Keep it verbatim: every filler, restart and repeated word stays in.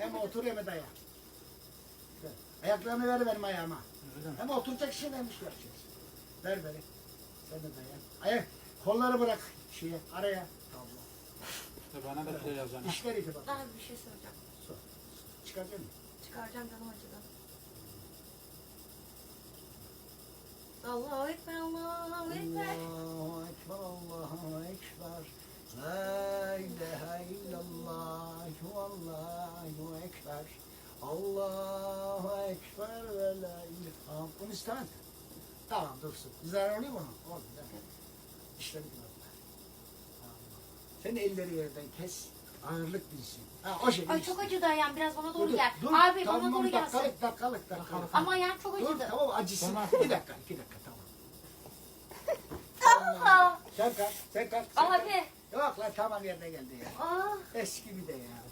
Hem otur hem dayan. Ayaklarını ver benim ayağıma. Hem oturacak şey neymiş göreceğiz. Ver beni. Sen de dayan. Ayak, kolları bırak şeye, araya. Tamam. İşte bana da şey yazacaksın. İşler iti bak. Daha bir şey soracağım. Sor. Çıkaracak mısın? Çıkaracağım canım acıdan. Allahu Ekber, Allahu Ekber. Allahu Ekber, Allahu Ekber. La ilahe illallah, Allahu Ekber. Allahu Ekber ve la ilahe. Bunu istemez. Tamam dursun. Zarar oluyor mu? Oldu. İşte bir Allah. Sen elleri yerden kes. Ağırlık bilsin. Ha, o şekilde. Ay çok acıdı ayağım. Biraz bana doğru Dur, gel. dur, Abi tamam, bana doğru gelsin. dakikalık, dakikalık, dakikalık. Ama ayağım çok Dur acıdı. tamam acısın. Tamam. Bir dakika, iki dakika tamam. Aa, Sen kalk, sen kalk. Sen kalk. Abi. Yok lan tamam yerine geldi ya. Aa, Eski bir de ya.